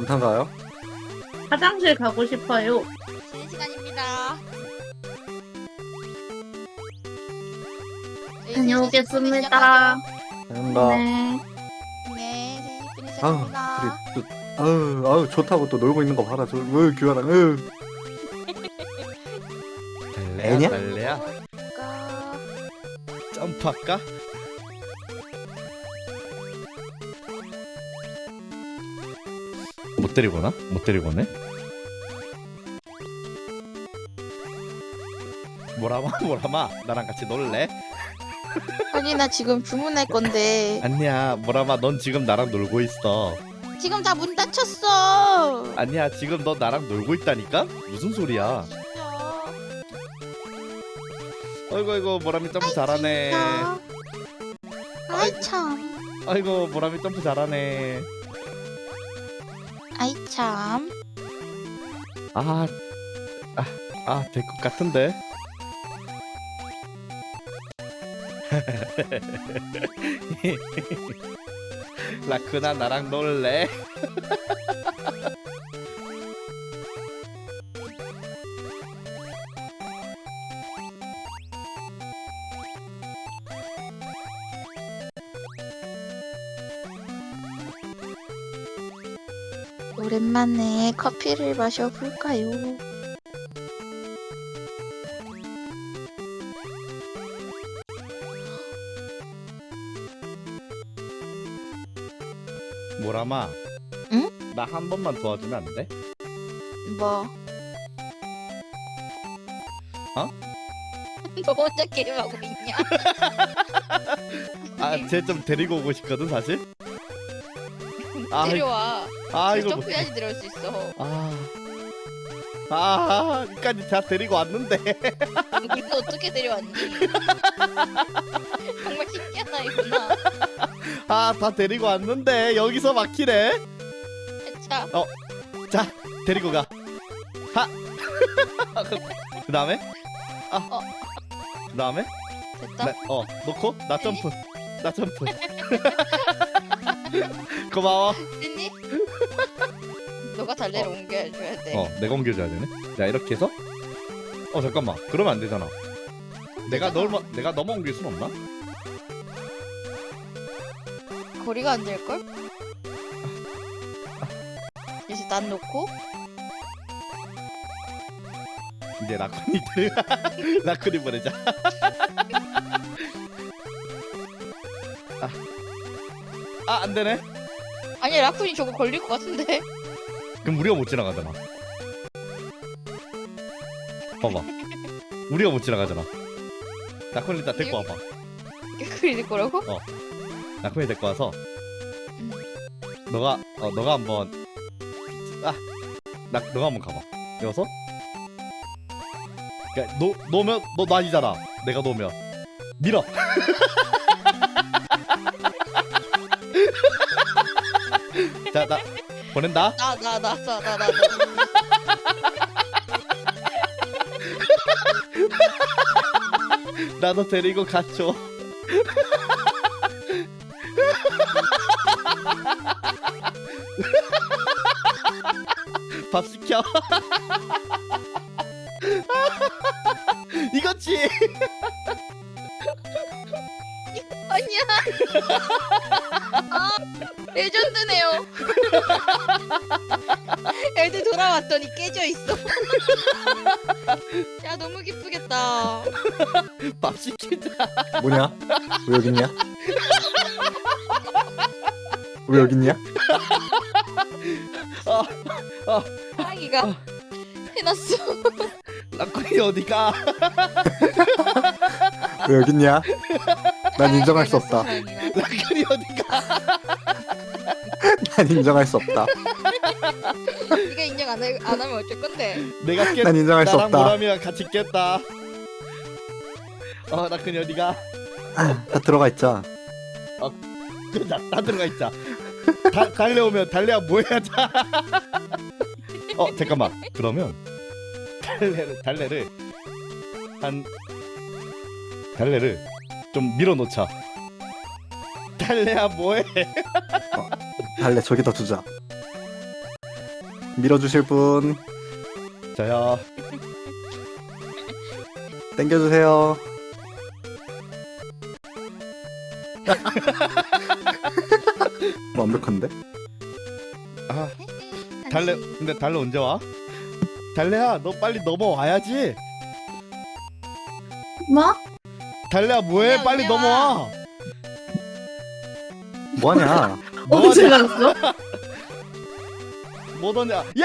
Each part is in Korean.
괜찮가요? 화장실 가고 싶어요. 쉬는 시간입니다. 다녀오겠습니다. 뭔가 네. 네, 쉬는 아우 시간입니다. 둘이 또 아우 좋다고 또 놀고 있는 거 봐라. 저 규아랑 애냐? 달래야 점프할까? 못 때리거나? 못 때리거네? 뭐라마 나랑 같이 놀래? 아니 나 지금 주문할 건데 아니야 뭐라마 넌 지금 나랑 놀고 있어. 지금 다 문 닫혔어. 아니야 지금 너 나랑 놀고 있다니까? 무슨 소리야? 진짜. 아이고 모라미 점프 잘하네. 진짜. 아이 참. 아이고 모라미 점프 잘하네. 아이 참. 될 것 같은데. 라크나 나랑 놀래? 오랜만에 커피를 마셔볼까요? 모라마. 응? 나 한 번만 도와주면 안 돼? 뭐? 어? 너 혼자 게임하고 있냐? 쟤 좀 데리고 오고 싶거든 사실. 데려와. 이거 못. 점프해야지 데려올 수 있어. 여기까지 다 데리고 왔는데. 이거 어떻게 데려왔니? 정말 신기한 아이구나. 다 데리고 왔는데 여기서 막히네. 자, 데리고 가. 그 다음에 그 다음에 됐다. 놓고 나 점프. 나 점프. 고마워. 됐니? 너가 달래를 옮겨줘야 돼. 내가 옮겨줘야 되네. 자 이렇게 해서 잠깐만. 그러면 안 되잖아. 내가 너만 옮길 순 없나? 거리가 안 될 걸? 이제 난 놓고 이제 라쿤이 라쿤이 보내자. 안 되네. 아니 라쿤이 저거 걸릴 것 같은데. 그럼 우리가 못 지나가잖아. 봐봐. 우리가 못 지나가잖아. 라쿤이 일단 데리고 와봐. 걸릴 거라고? 라쿤이 데리고 와서 너가 한번 너가 한번 가봐. 여기서 그러니까 놓으면 너 아니잖아. 내가 놓으면 밀어. 자, 나 보낸다. 나. 나도 데리고 가죠. 밥 시켜. 이거지. 아니야. 레전드네요. 애들 돌아왔더니 깨져 있어. 야 너무 기쁘겠다. 밥 시키자. 뭐냐? 왜 여기 있냐? 왜 여기 있냐? 하랑이가 해놨어. 라쿤이 어디가? 왜 여기 있냐? 난 인정할 수 없다. 라쿤이 어디가? 난 인정할 수 없다. 네가 인정 안 하면 어쩔 건데? 내가 난 인정할 수 나랑 없다. 모람이랑 같이 깼다. 라쿤이 어디가? 다 들어가 있자. 그자 다 들어가 있자. 달려오면 달려야 뭐해야 자. 잠깐만. 그러면 달래를 좀 밀어놓자. 달래야 뭐해? 달래 저기다 두자. 밀어주실 분 저요. 땡겨주세요. 완벽한데? 아 달래 근데 달래 언제 와? 달래야 너 빨리 넘어와야지. 뭐? 달래야 뭐해? 그냥 빨리 언제 와? 넘어와. 뭐하냐? 언제 갔어? 못 오냐? 야!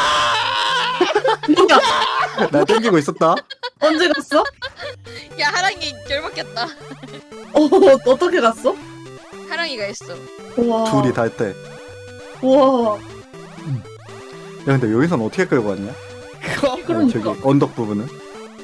뭐야? 나 땡기고 있었다. 언제 갔어? 야 하랑이 열받겠다. 어떻게 갔어? 하랑이가 했어. 우와. 둘이 다 했대. 우와. 야 근데 여기선 어떻게 끌고 왔냐? 그거 저기 그러니까. 언덕 부분은?